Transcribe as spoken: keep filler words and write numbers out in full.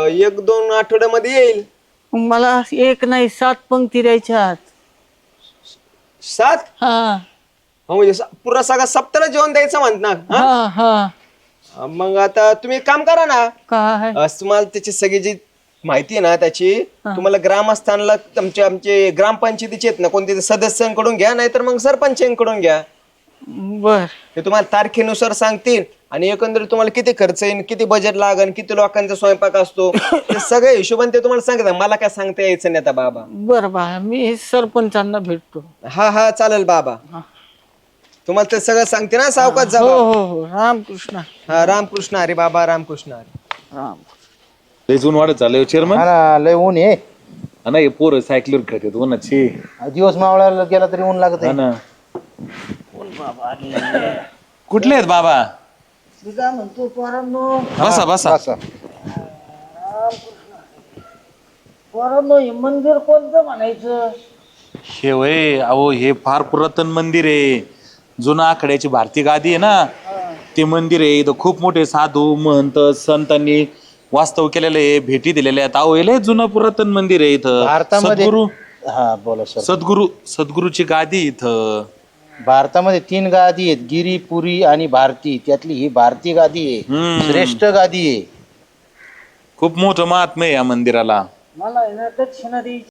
एक दोन आठवड्यामध्ये येईल. मला एक नाही सात पंक्ती द्यायच्या. सात? हा हो, म्हणजे स- पुरा सगळा सप्ताला जेवण द्यायचं म्हणत ना. हा? हा हा मग आता तुम्ही एक काम करा ना. काय अं, तुम्हाला त्याची सगळी जी माहिती आहे ना त्याची तुम्हाला ग्रामस्थानला तुमचे आमचे ग्रामपंचायतीचे आहेत ना कोणते सदस्यांकडून घ्या, नाहीतर मग सरपंचांकडून घ्या. बर ते तुम्हाला तारखेनुसार सांगतील आणि एकंदरीत तुम्हाला किती खर्च येईल, किती बजेट लागेल, किती लोकांचा स्वयंपाक असतो ते सगळे हिशोबाने ते तुम्हाला सांगतात. मला काय सांगता यायचं नाही आता बाबा. बर बा मी सरपंचांना भेटतो. हा हा चालेल बाबा. तुम्हाला ते सगळं सांगते ना सावकाश जा हो बाबा. हो हो रामकृष्ण हा रामकृष्ण हरी बाबा, रामकृष्ण हरी. राम. लय जून वाढत चाललंय चेअरमन. हा ना, लय ऊन आहे. हा ना, हे पोरं सायकलीवर खेळतात उन्हाची. दिवस मावळायला गेला तरी ऊन लागत हा आहे. ना. कुठले आहेत बाबा? मी काय म्हणतो पोरांनो, बसा बसा. असं. पोरांनो हे मंदिर कोणतं म्हणायचं? हे वय अहो हे फार पुरातन मंदिर आहे. जुना आखड्याची भारती गादी आहे ना, ते मंदिर आहे. इथं खूप मोठे साधू महंत संतांनी वास्तव केलेलं आहे, भेटी दिलेल्या आहेत. अहो हे लय जुनं पुरातन मंदिर आहे इथं. भारतामध्ये सद्गुरू हा बोला सर. सद्गुरू सद्गुरूची गादी इथं. भारतामध्ये तीन गादी आहेत, गिरी, पुरी आणि भारती. त्यातली ही भारती गादी आहे, हम्म. श्रेष्ठ गादी आहे. खूप मोठं महात्म्य आहे या मंदिराला. मला आहे ना दक्षिणा द्यायची.